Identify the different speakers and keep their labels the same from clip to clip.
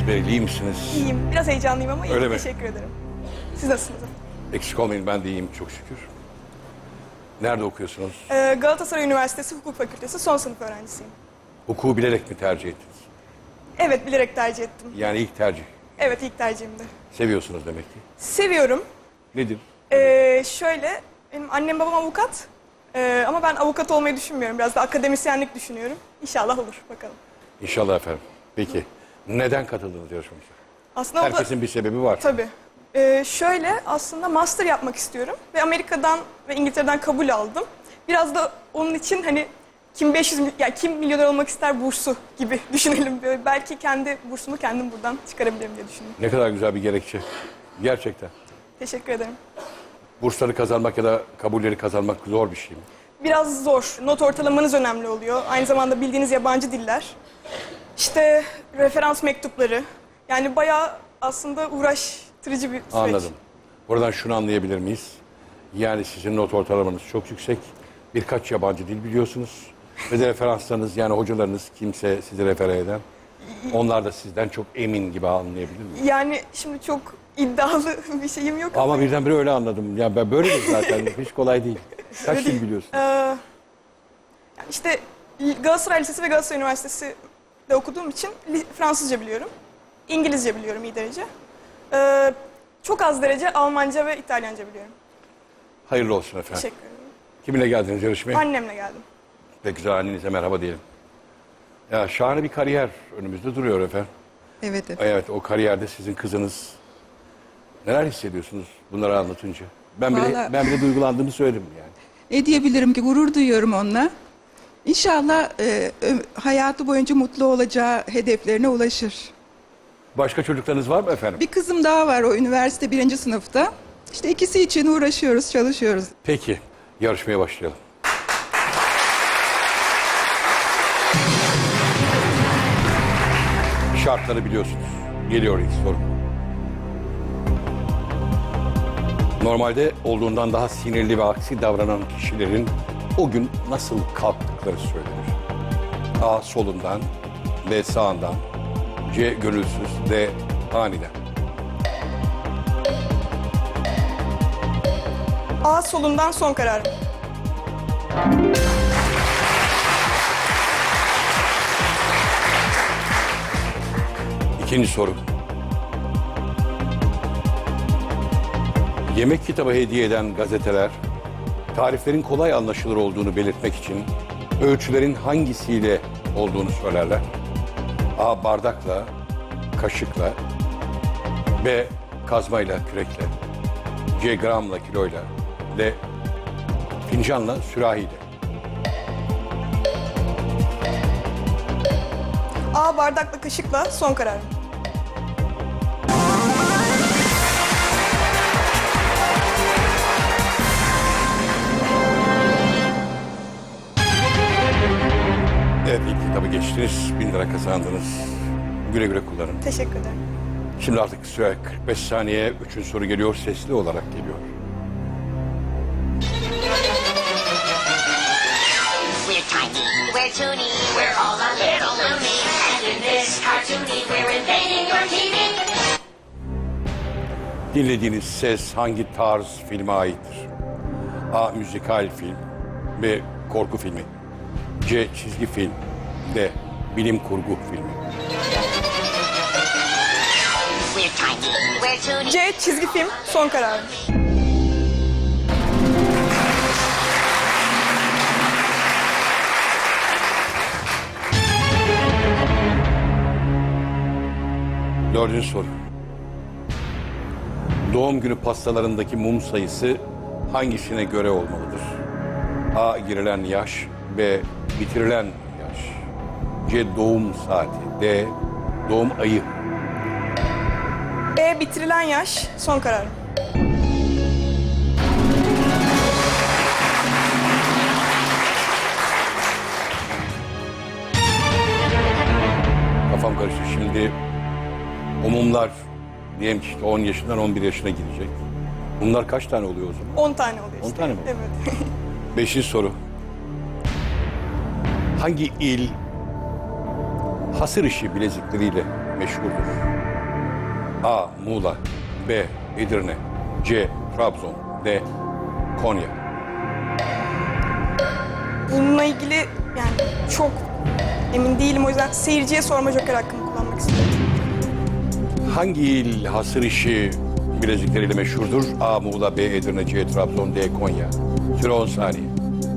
Speaker 1: Beril, iyi misiniz?
Speaker 2: İyiyim. Biraz heyecanlıyım ama iyiyim.
Speaker 1: Öyle mi?
Speaker 2: Teşekkür ederim. Siz nasılsınız?
Speaker 1: Eksik olmayın, ben de iyiyim çok şükür. Nerede okuyorsunuz?
Speaker 2: Galatasaray Üniversitesi Hukuk Fakültesi son sınıf öğrencisiyim.
Speaker 1: Hukuku bilerek mi tercih ettiniz?
Speaker 2: Evet, bilerek tercih ettim.
Speaker 1: Yani ilk tercih.
Speaker 2: Evet, ilk tercihimdi.
Speaker 1: Seviyorsunuz demek ki.
Speaker 2: Seviyorum.
Speaker 1: Nedir?
Speaker 2: Şöyle, benim annem babam avukat. Ama ben avukat olmayı düşünmüyorum. Biraz da akademisyenlik düşünüyorum. İnşallah olur, bakalım.
Speaker 1: İnşallah efendim. Peki, neden katıldınız yarışmamıza?
Speaker 2: Aslında o da-
Speaker 1: Herkesin bir sebebi var.
Speaker 2: Tabii. Şöyle, aslında master yapmak istiyorum. Ve Amerika'dan ve İngiltere'den kabul aldım. Biraz da onun için hani kim milyoner olmak ister bursu gibi düşünelim. Böyle belki kendi bursumu kendim buradan çıkarabilirim diye düşündüm.
Speaker 1: Ne kadar güzel bir gerekçe. Gerçekten.
Speaker 2: Teşekkür ederim.
Speaker 1: Bursları kazanmak ya da kabulleri kazanmak zor bir şey mi?
Speaker 2: Biraz zor. Not ortalamanız önemli oluyor. Aynı zamanda bildiğiniz yabancı diller. İşte referans mektupları. Yani bayağı aslında uğraştırıcı bir süreç.
Speaker 1: Anladım. Buradan şunu anlayabilir miyiz? Yani sizin not ortalamanız çok yüksek. Birkaç yabancı dil biliyorsunuz. Ve de referanslarınız, yani hocalarınız, kimse sizi refere eden, onlar da sizden çok emin gibi anlayabilir miyiz?
Speaker 2: Yani şimdi çok iddialı bir şeyim yok
Speaker 1: Ama birdenbire öyle anladım. Ya ben böyledir zaten. Hiç kolay değil. Kaç dil biliyorsun?
Speaker 2: Yani işte Galatasaray Lisesi ve Galatasaray Üniversitesi'de okuduğum için Fransızca biliyorum. İngilizce biliyorum iyi derece. Çok az derece Almanca ve İtalyanca biliyorum.
Speaker 1: Hayırlı olsun efendim.
Speaker 2: Teşekkür ederim.
Speaker 1: Kiminle geldiniz yarışmaya?
Speaker 2: Annemle geldim.
Speaker 1: Pek güzel, annenize merhaba diyelim. Ya şahane bir kariyer önümüzde duruyor efendim.
Speaker 3: Evet efendim.
Speaker 1: Evet, o kariyerde sizin kızınız. Neler hissediyorsunuz bunları anlatınca? Ben
Speaker 3: Vallahi-
Speaker 1: bile duygulandığımı söyledim yani.
Speaker 3: Ne diyebilirim ki gurur duyuyorum onunla. İnşallah hayatı boyunca mutlu olacağı hedeflerine ulaşır.
Speaker 1: Başka çocuklarınız var mı efendim?
Speaker 3: Bir kızım daha var, o üniversite 1. sınıfta. İşte ikisi için uğraşıyoruz, çalışıyoruz.
Speaker 1: Peki, yarışmaya başlayalım. Şartları biliyorsunuz. Geliyor ilk soru. Normalde olduğundan daha sinirli ve aksi davranan kişilerin o gün nasıl kalktıkları söylenir. A. Solundan, B. Sağından, C. Gönülsüz, D. Aniden.
Speaker 2: A solundan son kararım.
Speaker 1: İkinci soru. Yemek kitabı hediye eden gazeteler, tariflerin kolay anlaşılır olduğunu belirtmek için ölçülerin hangisiyle olduğunu söylerler. A. Bardakla, kaşıkla, B. Kazmayla, kürekle, C. Gramla, kiloyla, D. Fincanla, sürahiyle.
Speaker 2: A bardakla kaşıkla son kararım.
Speaker 1: Evet, ilk kitabı geçtiniz, 1000 lira kazandınız. Güle güle kullanın.
Speaker 2: Teşekkür ederim.
Speaker 1: Şimdi artık süre 45 saniye, 3. soru geliyor, sesli olarak geliyor.
Speaker 4: We're tiny, we're toony, we're all a little loony. And in this cartoony, we're invading your TV.
Speaker 1: Dinlediğiniz ses hangi tarz filme aittir? A. Müzikal film, B. Korku filmi, C. Çizgi film, D. Bilim kurgu filmi.
Speaker 4: We're tiny, we're toony.
Speaker 2: C çizgi film son kararım.
Speaker 1: Dördüncü soru. Doğum günü pastalarındaki mum sayısı hangisine göre olmalıdır? A. Girilen yaş, B. Bitirilen yaş, C. Doğum saati, D. Doğum ayı.
Speaker 2: B bitirilen yaş son kararım.
Speaker 1: Kafam karıştı. Şimdi o mumlar diyelim ki işte 10 yaşından 11 yaşına girecek. Bunlar kaç tane oluyor o zaman?
Speaker 2: 10 tane oluyor
Speaker 1: 10
Speaker 2: işte.
Speaker 1: tane mi?
Speaker 2: Evet.
Speaker 1: Beşinci soru. Hangi il hasır işi bilezikleriyle meşhurdur? A. Muğla, B. Edirne, C. Trabzon, D. Konya.
Speaker 2: Bununla ilgili yani çok emin değilim. O yüzden seyirciye sorma joker hakkımı kullanmak istiyorum.
Speaker 1: Hangi il hasır işi bilezikleriyle meşhurdur? A. Muğla, B. Edirne, C. Trabzon, D. Konya. Süre 10 saniye.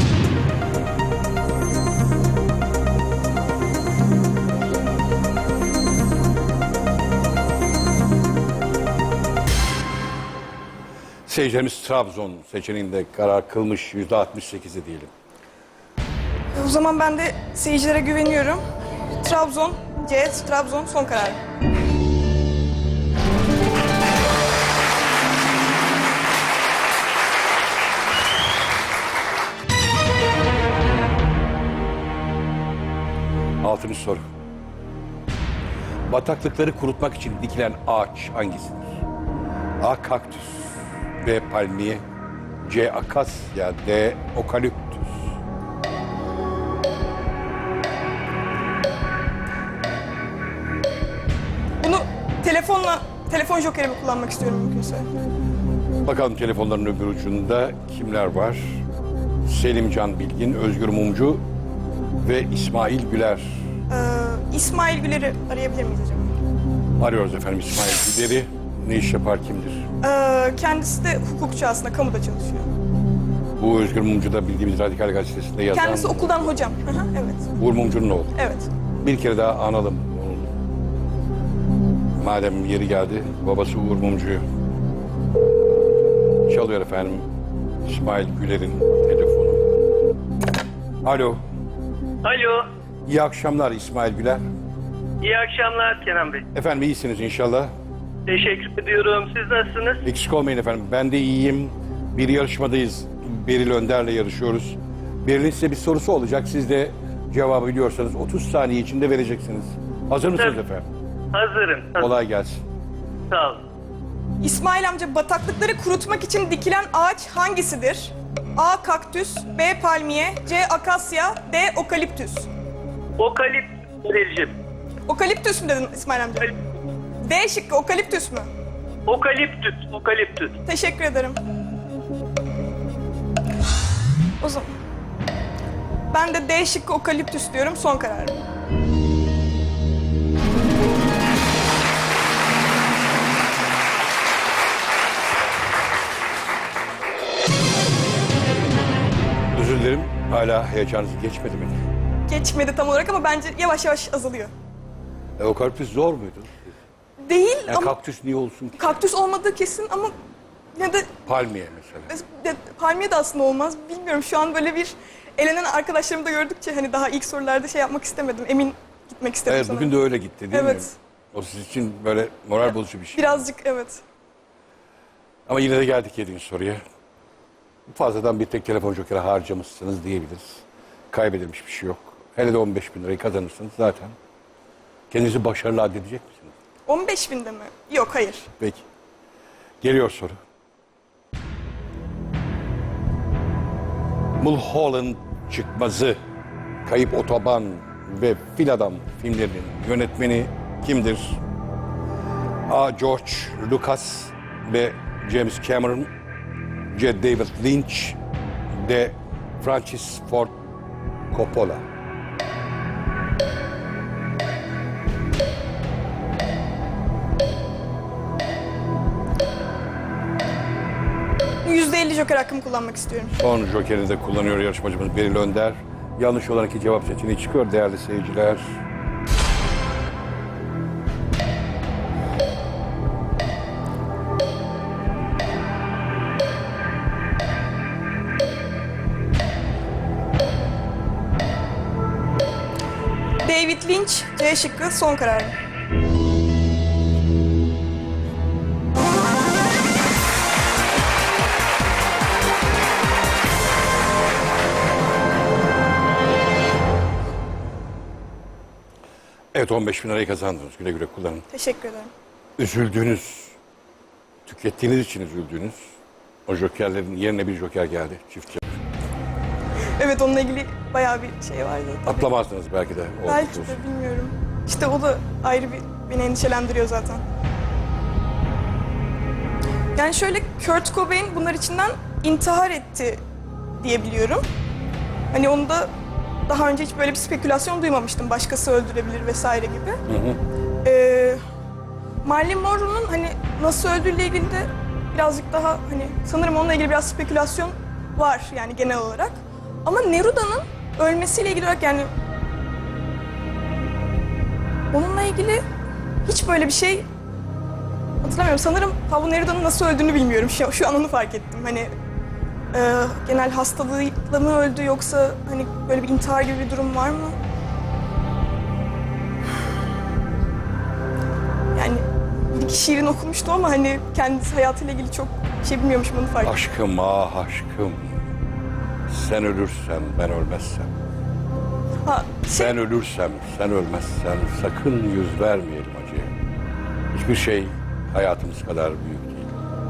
Speaker 1: Seyircilerimiz Trabzon seçeneğinde karar kılmış, %68'i diyelim.
Speaker 2: O zaman ben de seyircilere güveniyorum. Trabzon, C. Trabzon son karar.
Speaker 1: Altıncı soru. Bataklıkları kurutmak için dikilen ağaç hangisidir? A. Kaktüs, B. Palmiye, C. Akasya, D. Okaliptüs.
Speaker 2: Bunu telefon jokerimi kullanmak istiyorum mümkünse.
Speaker 1: Bakalım telefonların öbür ucunda kimler var? Selim Can Bilgin, Özgür Mumcu ve İsmail Güler.
Speaker 2: İsmail Güler'i arayabilir miyiz acaba?
Speaker 1: Arıyoruz efendim İsmail Güler'i. Ne iş yapar kimdir?
Speaker 2: Kendisi de hukukçu aslında, kamuda çalışıyor.
Speaker 1: Bu Özgür Mumcu da bildiğimiz Radikal Gazetesi'nde yazan
Speaker 2: Kendisi okuldan hocam. Hı hı, evet.
Speaker 1: Uğur Mumcu'nun oğlu.
Speaker 2: Evet.
Speaker 1: Bir kere daha analım onu. Madem yeri geldi, babası Uğur Mumcu'yu. Çalıyor efendim İsmail Güler'in telefonu. Alo.
Speaker 5: Alo,
Speaker 1: İyi akşamlar İsmail Güler.
Speaker 5: iyi akşamlar Kenan Bey.
Speaker 1: Efendim iyisiniz inşallah.
Speaker 5: Teşekkür ediyorum. Siz nasılsınız?
Speaker 1: Eksik olmayın efendim. Ben de iyiyim. Bir yarışmadayız. Beril Önder'le yarışıyoruz. Beril'in size bir sorusu olacak. Siz de cevabı biliyorsanız 30 saniye içinde vereceksiniz. Hazır mısınız
Speaker 5: Tabii.
Speaker 1: efendim?
Speaker 5: Hazırım.
Speaker 1: Kolay gelsin.
Speaker 5: Sağ olun.
Speaker 2: İsmail amca, bataklıkları kurutmak için dikilen ağaç hangisidir? A. Kaktüs, B. Palmiye, C. Akasya, D. Okaliptüs.
Speaker 5: Okalipt vereceğim.
Speaker 2: Okaliptüs mü dedin İsmail amca? D şıkkı okaliptüs mü?
Speaker 5: Okaliptüs, okaliptüs.
Speaker 2: Teşekkür ederim. O zaman ben de D şıkkı okaliptüs diyorum, son kararım.
Speaker 1: Özür dilerim. Hala heyecanınız geçmedi mi?
Speaker 2: Geçmedi tam olarak ama bence yavaş yavaş azalıyor.
Speaker 1: Okaliptüs zor muydu?
Speaker 2: Değil
Speaker 1: Yani
Speaker 2: ama
Speaker 1: kaktüs niye olsun ki?
Speaker 2: kaktüs olmadığı kesin ama ne de
Speaker 1: Palmiye mesela.
Speaker 2: palmiye de aslında olmaz. Bilmiyorum, şu an böyle bir elenen arkadaşlarımı da gördükçe hani daha ilk sorularda şey yapmak istemedim. Emin gitmek istedim
Speaker 1: Evet
Speaker 2: sana.
Speaker 1: bugün de öyle gitti değil mi?
Speaker 2: Evet.
Speaker 1: O siz için böyle moral bozucu bir şey.
Speaker 2: Birazcık evet.
Speaker 1: Ama yine de geldik 7. soruya. Fazladan bir tek telefon jokeri harcamışsınız diyebiliriz. Kaybedilmiş bir şey yok. Hele de 15.000 lirayı kazanırsınız zaten. Kendinizi başarılı addedecek misiniz?
Speaker 2: 15.000'de mi? Yok, hayır.
Speaker 1: Peki. Geliyor soru. Mulholland Çıkmazı, Kayıp Otoban ve Fil Adam filmlerinin yönetmeni kimdir? A. George Lucas, B. James Cameron, C. David Lynch, D. Francis Ford Coppola.
Speaker 2: %50 joker hakkımı kullanmak istiyorum.
Speaker 1: Son jokerini de kullanıyor yarışmacımız Beril Önder. Yanlış olan iki cevap seçeneği çıkıyor değerli seyirciler.
Speaker 2: David Lynch, C şıkkı son kararım.
Speaker 1: Evet 15.000 lirayı kazandınız. Güle güle kullanın.
Speaker 2: Teşekkür ederim.
Speaker 1: Üzüldüğünüz, tükettiğiniz için üzüldüğünüz o jokerlerin yerine bir joker geldi. Çift joker.
Speaker 2: Evet, onunla ilgili bayağı bir şey vardı.
Speaker 1: Atlamazdınız belki de.
Speaker 2: Belki de bilmiyorum. İşte o da ayrı bir beni endişelendiriyor zaten. Yani şöyle, Kurt Cobain bunlar içinden intihar etti diye biliyorum. Hani onu da daha önce hiç böyle bir spekülasyon duymamıştım. Başkası öldürebilir vesaire gibi. Marilyn Monroe'nun hani nasıl öldüğüyle ilgili de birazcık daha hani sanırım onunla ilgili biraz spekülasyon var yani genel olarak. Ama Neruda'nın ölmesiyle ilgili olarak yani onunla ilgili hiç böyle bir şey hatırlamıyorum. Sanırım Pablo Neruda'nın nasıl öldüğünü bilmiyorum. Şu an onu fark ettim. Hani genel hastalığıyla mı öldü yoksa hani böyle bir intihar gibi bir durum var mı? Yani bir iki şiirini okumuştum ama hani kendisi hayatıyla ilgili çok şey bilmiyormuşum, onu fark ettim.
Speaker 1: Aşkım ah aşkım. Sen ölürsen ben ölmezsem.
Speaker 2: Ha,
Speaker 1: Ben ölürsem sen ölmezsen sakın yüz vermeyelim acıya. Hiçbir şey hayatımız kadar büyük değil.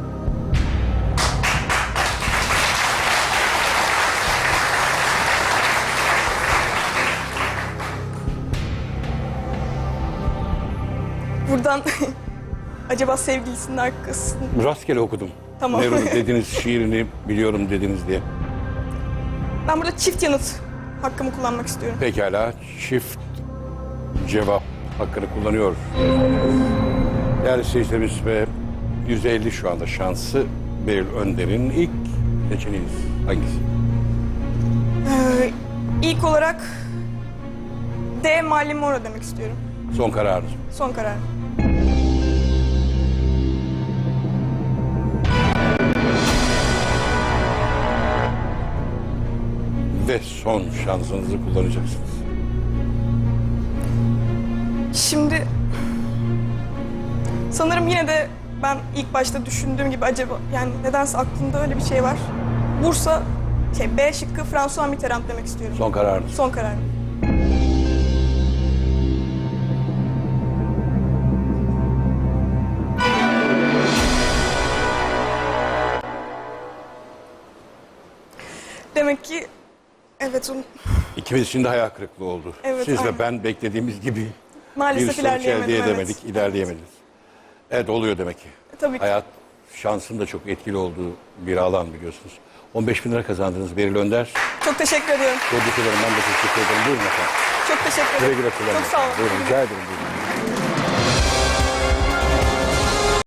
Speaker 2: buradan acaba sevgilisinin arkasını...
Speaker 1: Rastgele okudum.
Speaker 2: Tamam.
Speaker 1: Neruda dediniz, şiirini biliyorum dediniz diye.
Speaker 2: Ben burada çift yanıt hakkımı kullanmak istiyorum.
Speaker 1: Pekala, çift cevap hakkını kullanıyor. Değerli seyircilerimiz ve %50 şu anda şansı Beril Önder'in ilk seçeneğiniz hangisi?
Speaker 2: İlk olarak D. Marilyn Monroe demek istiyorum.
Speaker 1: Son kararınız.
Speaker 2: Son kararım.
Speaker 1: Ve son şansınızı kullanacaksınız.
Speaker 2: Şimdi sanırım yine de ben ilk başta düşündüğüm gibi acaba yani nedense aklımda öyle bir şey var. Bursa B şıkkı François Mitterrand demek istiyorum.
Speaker 1: Son kararınız.
Speaker 2: Son kararım. Demek ki evet
Speaker 1: İkimiz için de hayal kırıklığı oldu.
Speaker 2: Evet,
Speaker 1: Siz
Speaker 2: aynen.
Speaker 1: ve ben beklediğimiz gibi bir
Speaker 2: maalesef
Speaker 1: sonuç elde
Speaker 2: ilerleyemedim.
Speaker 1: edemedik,
Speaker 2: Evet.
Speaker 1: ilerleyemediniz. Evet oluyor demek ki.
Speaker 2: Tabii ki.
Speaker 1: Hayat şansın da çok etkili olduğu bir alan biliyorsunuz. 15.000 lira kazandınız Beril Önder.
Speaker 2: Çok teşekkür ediyorum.
Speaker 1: Tebrik ederim, ben de teşekkür ederim. Buyurun efendim.
Speaker 2: Çok teşekkür
Speaker 1: Güle
Speaker 2: ederim.
Speaker 1: güle kullanın.
Speaker 2: Çok sağ olun.
Speaker 1: Buyurun, rica ederim. Buyurun.